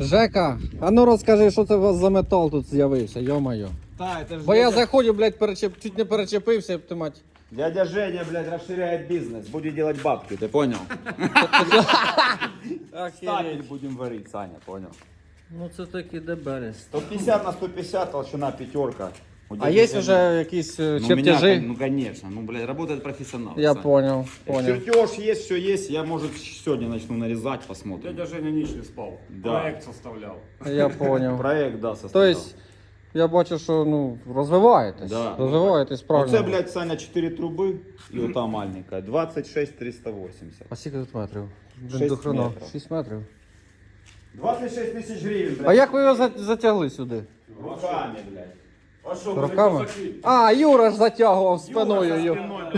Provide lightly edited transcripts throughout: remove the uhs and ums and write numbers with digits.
Жека, а ну розкажи, що це у вас за метал тут з'явився, йо-моє. Да, это же Бо я заходжу, блядь, чуть не перечепився, ти мать. Дядя Женя, блядь, расширяет бизнес. Будет делать бабки, ты понял? Стапель будем варить, Саня, понял? Ну це таки дебелес. 150 на 150, толщина пятерка. А є вже якісь Ну, у меня, чертежі? ну, конечно. Ну, блядь, работает профессионал. Я Саня. понял. Чертеж есть, все есть. Я, может, сегодня начну нарезать, посмотрим. Дядя Женя ніч не спав. Да. Проект составляв. Я понял. Проект, да, То составлял. есть, я бачу, що ну, розвиваєтесь. Да. Розвиваєтесь Ну, правильно. це, блядь, Саня, 4 труби і ота маленька. 26 380. А скільки тут метрів? Шість До хрена. метрів. 6 метрів. 26 тисяч гривень, блядь. А як ви його затягли сюди? Руками, блядь. А що, Руками? А, Юра ж затягував спиною. Юра, Юра. со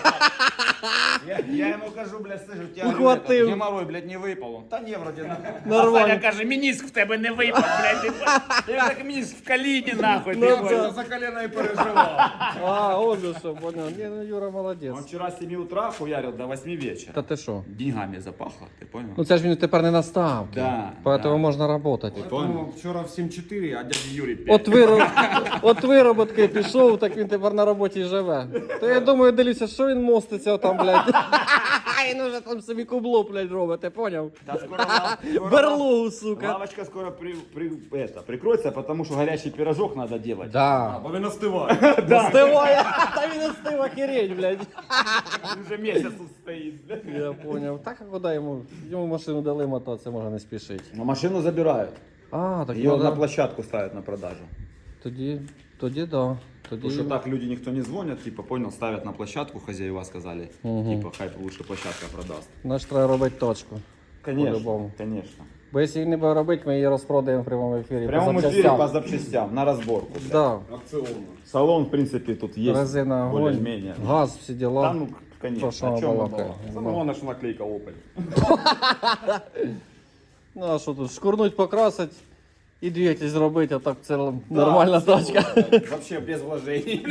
спиной, блядь, я ему кажу, блядь, слышь, у тебя Ухватив. геморрой, блядь, не выпал. Он, да не, вроде на... Нормально. Каже, мініск в тебе не випав, блядь. Я так мініск в коліні, нахуй. Ну, ти це- понял? за колено і переживав. А, он же що, понял. Ні, ну Юра Он молодець. вчера с 7 утра хуярил до 8 вечера. Та ти що? Деньгами запахло, ты понял? Ну це ж він тепер не на ставки. Да, Поэтому да. можна працювати. Тому вчора в 7-4, а дядя Юрій 5. От вироботки пішов, так він тепер на роботі живе. То я думаю, дивлюся, що він моститься там, блядь. Він уже там собі кубло, блядь, робить, ти поняв? Да, скоро Берлогу, сука. лавочка скоро прикроется, потому что горячий пирожок надо делать. Да. Бо він остиває. Остиває, та він остив охереть, блядь. Он уже месяц тут стоит. Я поняв. Так, а куди йому? Йому машину дали мотатися, може не спішить. Но машину забирают. А, так Ее його на площадку ставят на продажу. Тоді да. Тоді... Потому что так люди никто не звонят, типа, понял, ставят на площадку, хозяева сказали, типа, хай лучше площадка продаст. Наш треба робити точку. По-любому. Конечно. Бо якщо їх не буде робити, ми її розпродаємо в прямому ефірі. В прямом по эфире запчастям. по запчастям, на разборку. блядь. Да. Акціонно. Салон, в принципе, тут есть. Резина, огонь, более-менее. газ, всі діла. Да, ну, конечно. То, що О чем мы балакає. балакаем? Саме головне, що наклейка Opel. Ну а що тут, шкурнуть, покрасить і двигатель зробити, а так це нормальна тачка. Вообще без вложений.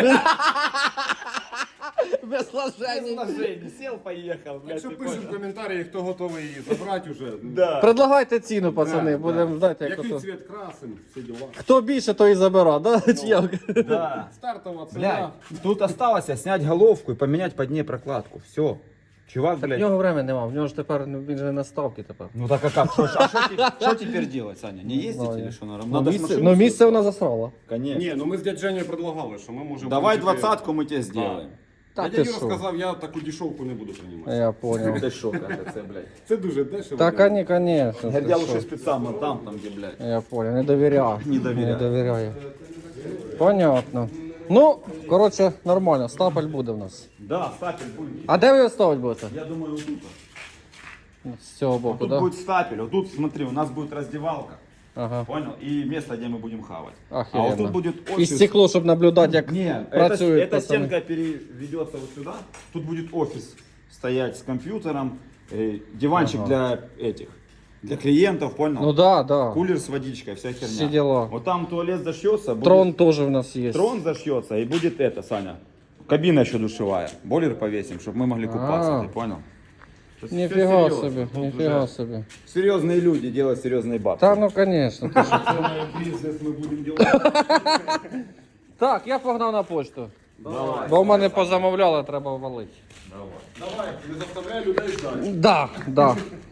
Без вложень. вложений. Сел, поехал, блядь. Якщо ты пишуть в понял? коментарі, хто готовий її забрати вже. Да. Предлагайте ціну, пацани, Да, будемо знати, як Який ото. цвіт красим, всі діла. Хто більше, той і забира, да? Чи як? Да. Стартова ціна. Блядь, тут осталось снять головку и поменять под ней прокладку. Все. Чувак, В блядь. нього времени нема, в нього ж тепер, він же на ставки тепер. Ну так а как? Что теперь делать, Саня? Не ездить знаю. или что? Ну Надо с місце, машиной ну, місце съездить. вона засрала. Конечно. Ні, ну ми з дядь Женєю предлагали, що ми можемо... Давай в принципі, 20-ку мы тебе сделаем. Та Дядя ти Юра що? сказав, я таку дешевку не буду приймати. Я понял. Ты шо, это, блядь. Це дуже дешево. Та, конечно. Я ти лучше що. специально там, где, блядь. Я понял, не довіряю. Не довіряю. Не довіряю. Понятно. Ну, коротше, нормально, стапель буде в нас. Да, стапель будет. А де ви його ставити будете? Я думаю, вот тут. З цього боку, Тут да? будет стапель. Вот тут, смотри, у нас будет раздевалка. Ага. Понял? И место, где мы будем хавать. А Охеренно. вот тут будет І офис. стекло, щоб наблюдати, як Не, працюють эта пацани. стенка переведется вот сюда. Тут будет офис стоять с компьютером, диванчик для этих, для клиентов, понял? Ну да, да. Кулер с водичкой, вся херня. Все дела. Вот там туалет зашьется, будет... Трон теж в нас є. Трон зашьется и будет это, Саня. Кабина еще душевая. Бойлер повесим, чтобы мы могли купаться, А. ты понял? Тут всё Ніфіга серьезно. собі, Тут ніфіга уже собі. Серьезные люди делают серьезные бабки. Та ну, конечно. ти що. Бізнес ми будемо робити. Так, я погнав на почту. Давай. Бо в мене позамовляли, треба валити. Давай, не заставляй людей ждати. Да.